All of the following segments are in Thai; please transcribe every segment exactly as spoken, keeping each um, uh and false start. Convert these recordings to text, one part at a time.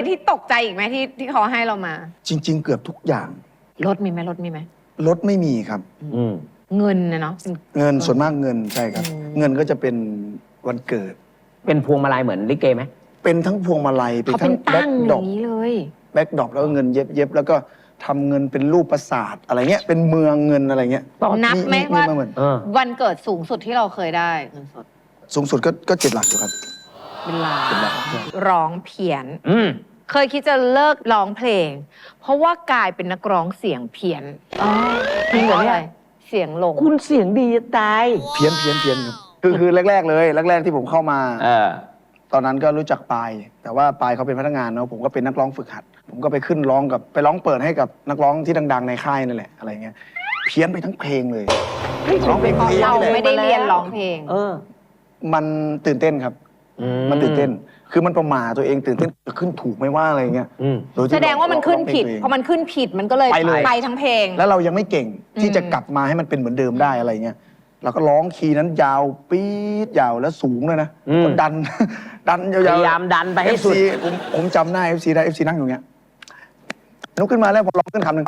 ที่ตกใจอีกไหมที่ที่เขาให้เรามาจริงๆเกือบทุกอย่างรถมีไหมรถมีไหมรถไม่มีครับเงินนะเนาะเงินส่วนมากเงินใช่ครับเงินก็จะเป็นวันเกิดเป็นพวงมาลัยเหมือนลิเกไหมเป็นทั้งพวงมาลัยเป็นทั้งแบ็คดรอปเลยแบ็คดรอปแล้วก็เงินเย็บเย็บแล้วก็ทำเงินเป็นรูปปราสาทอะไรเงี้ยเป็นเมืองเงินอะไรเงี้ยนับไหมว่าวันเกิดสูงสุดที่เราเคยได้เงินสดสูงสุดก็ก็เจ็ดหลักอยู่ครับเป็นล้านร้องเพี้ยนเคยคิดจะเลิกร้องเพลงเพราะว่ากลายเป็นนักร้องเสียงเพี้ยนจริงเหรอเนี่ยเสียงหลงคุณเสียงดีตายเพี้ยนเพี้ยนเพี้ยนครับคือคือแรกๆเลยแรกๆที่ผมเข้ามาตอนนั้นก็รู้จักปายแต่ว่าปายเขาเป็นพนักงานเนาะผมก็เป็นนักร้องฝึกหัดผมก็ไปขึ้นร้องกับไปร้องเปิดให้กับนักร้องที่ดังๆในค่ายนั่นแหละอะไรเงี้ยเพี้ยนไปทั้งเพลงเลยร้องเพลงเราไม่ได้เรียนร้องเพลงเออมันตื่นเต้นครับมันตื่นเต้นคือมันประมาทตัวเองตื่นเต้นจะขึ้นถูกไม่ว่าอะไรเงี้ยแสดงว่ามันขึ้นผิดพอมันขึ้นผิดมันก็เลยไปทั้งเพลงแล้วเรายังไม่เก่งที่จะกลับมาให้มันเป็นเหมือนเดิมได้อะไรเงี้ยเราก็ร้องคีย์นั้นยาวปี๊ดยาวแล้วสูงเลยนะดันดันยาวๆพยายามดันไปให้สุดผมผมจำหน้า เอฟ ซี ได้ เอฟ ซี นั่งอยู่เงี้ยลุกขึ้นมาแล้วผมร้องขึ้นคำหนึ่ง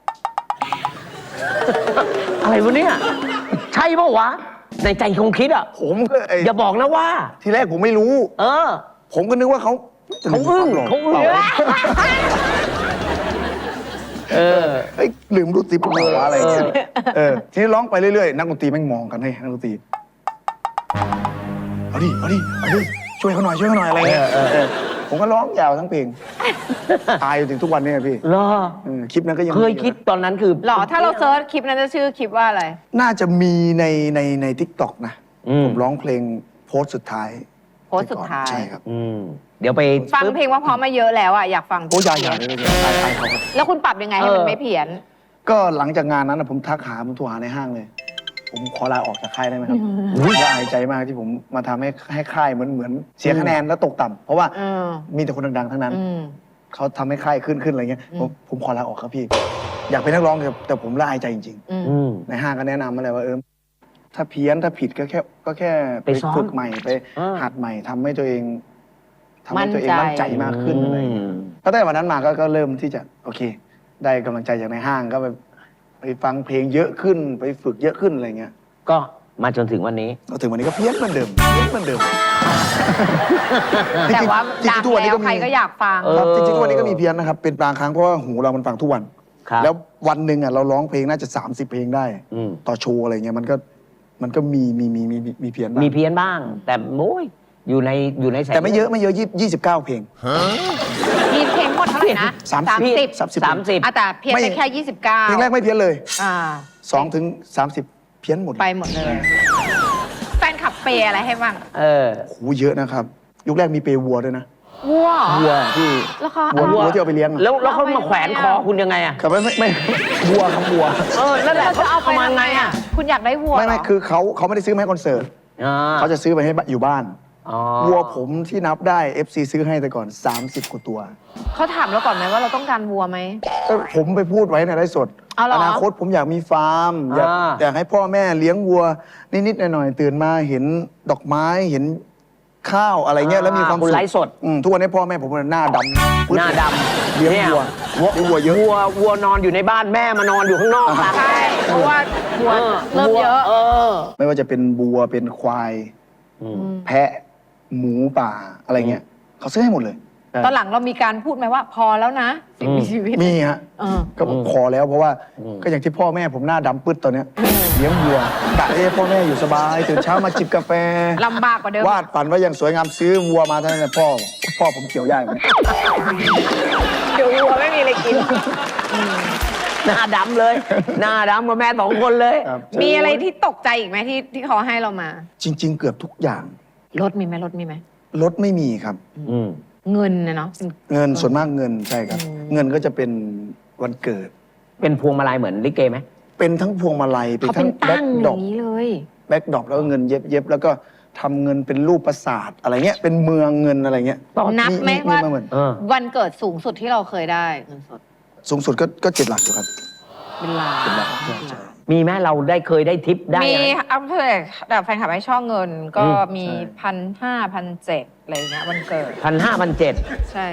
อะไรวะเนี่ยใช่ป่าววะในใจคงคิดอ่ะผมก็อย่าบอกนะว่าทีแรกผมไม่รู้เออผมก็นึกว่าเขาเขาอึ้งเขาอึ้งเออเฮ้ยลืมรูติปหัวอะไรเงี้ยเออทีนี้ร้องไปเรื่อยๆนักดนตรีแม่งมองกันให้นักดนตรีเอาดิเอาดิเอาดิช่วยเขาหน่อยช่วยเขาหน่อยอะไรเงี้ยผมก็ร้องยาวทั้งเพลงตายถึงทุกวันนี้พี่รอคลิปนั้นก็ยังเคยคิดตอนนั้นคือหรอถ้าเราเซิร์ชคลิปนั้นจะชื่อคลิปว่าอะไรน่าจะมีในในในทิกตอกนะผมร้องเพลงโพสสุดท้ายโพสสุดท้ายใช่ครับเดี๋ยวไปฟังเพลงว่าพร้อมมาเยอะแล้วอ่ะอยากฟังโอ้ยายาเลยแล้วคุณปรับยังไงให้มันไม่เพี้ยนก็หลังจากงานนั้นผมทักหาผมโทรหาในห้างเลยผมขอลาออกจากค่ายได้ไหมครับละอายใจมากที่ผมมาทำให้ให้ค่ายเหมือนเหมือนเสียคะแนนแล้วตกต่ำเพราะว่ามีแต่คนดังๆทั้งนั้นเขาทำให้ค่ายขึ้นขึ้นอะไรเงี้ยผมผมขอลาออกครับพี่อยากเป็นนักร้องแต่ผมละอายใจจริงๆในห้างก็แนะนำมาเลยว่าเออถ้าเพี้ยนถ้าผิดก็แค่ก็แค่ไปฝึกใหม่ไปหัดใหม่ทำให้ตัวเองทำให้ตัวเองมั่นใจมากขึ้นอะไรตั้งแต่วันนั้นมาก็เริ่มที่จะโอเคได้กำลังใจจากในห้างก็ไปไปฟังเพลงเยอะขึ้นไปฝึกเยอะขึ้นอะไรเงี้ยก็มาจนถึงวันนี้ก็ถึงวันนี้ก็เพี้ยนเหมือนเดิมเพี้ยนเหมือนเดิมแต่ว่าดังแล้วใครก็อยากฟังครับจริงๆทุกวันนี้ก็มีเพี้ยนนะครับเป็นบางครั้งเพราะว่าหูเรามันฟังทุกวันแล้ววันหนึ่งอ่ะเราร้องเพลงน่าจะสามสิบเพลงได้ต่อโชว์อะไรเงี้ยมันก็มันก็มีมีมีมีมีเพี้ยนบ้างมีเพี้ยนบ้างแต่โอ้ยอยู่ในอยู่ในแต่ไม่เยอะไม่เยอะยี่สิบเก้าเพลงมีเพลงหมดเท่าไหร่นะสามสิบสามสิบแต่เพี้ยนไปแค่ยี่สิบเก้าเพลงแรกไม่เพี้ยนเลยสองถึงสามสิบเพี้ยนหมดไปหมดเลยแฟนขับเปย์อะไรให้บ้างเออโหเยอะนะครับยุคแรกมีเปย์วัวด้วยนะวัววัวที่วัววัวที่เอาไปเลี้ยงแล้วแล้วเขามาแขวนคอคุณยังไงอ่ะครับไม่ไม่วัวครับวัวเออนั่นแหละเขาเอาไปยังไงอ่ะคุณอยากได้วัวไม่ไม่คือเขาเขาไม่ได้ซื้อมาให้คอนเสิร์ตเขาจะซื้อไปให้อยู่บ้านวัวผมที่นับได้ เอฟ ซี ซื้อให้แต่ก่อนสามสิบกว่าตัวเขาถามเราก่อนไหมว่าเราต้องการวัวไหมผมไปพูดไว้ในไลฟ์สดอนาคตผมอยากมีฟาร์มอยากอยากให้พ่อแม่เลี้ยงวัวนิดๆหน่อยๆตื่นมาเห็นดอกไม้เห็นข้าวอะไรเงี้ยแล้วมีความสุขไลฟ์สดทุกวันนี้พ่อแม่ผมหน้าดำหน้าดำเลี้ยงวัวเลี้ยงวัวเยอะวัววัวนอนอยู่ในบ้านแม่มานอนอยู่ข้างนอกใช่เพราะว่าวัวเริ่มเยอะไม่ว่าจะเป็นวัวเป็นควายแพะหมูป่าอะไรเงี้ยเขาซื้อให้หมดเลยตอนหลังเรามีการพูดไหมว่าพอแล้วนะสิ่งมีชีวิตมีฮะก็พอแล้วเพราะว่าก็อย่างที่พ่อแม่ผมหน้าดำปึ๊ดตอนเนี้ยเลี้ยงวัวกะให้พ่อแม่อยู่สบายตื่นเช้ามาจิบกาแฟลำบากกว่าเดิมวาดฝันว่าอย่างสวยงามซื้อวัวมาเท่านั้นแหละพ่อพ่อผมเกี่ยวย่างเกี่ยววัวไม่มีอะไรกินหน้าดำเลยหน้าดำกับแม่สองคนเลยมีอะไรที่ตกใจอีกไหมที่ที่เขาให้เรามาจริงๆเกือบทุกอย่างรถมีไหมรถมีไหมรถไม่มีครับเงินนะเนาะเงินส่วนมากเงินใช่ครับเงินก็จะเป็นวันเกิดเป็นพวงมาลัยเหมือนลิเกไหมเป็นทั้งพวงมาลัยเป็นทั้งแบ็คดรอปเลยแบ็คดรอปแล้วก็เงินเย็บเย็บแล้วก็ทำเงินเป็นรูปปราสาทอะไรเงี้ยเป็นเมืองเงินอะไรเงี้ยนับไหมว่าวันเกิดสูงสุดที่เราเคยได้เงินสดสูงสุดก็ก็เจ็ดหลักอยู่ครับเป็นล้านมีไหมเราได้เคยได้ทิปได้มีอัพเดทแบบแฟนคลับให้ช่อเงินก็มีพันห้าพันเจ็ดอะไรเงี้ยวันเกิดพันห้าพันเจ็ดใช่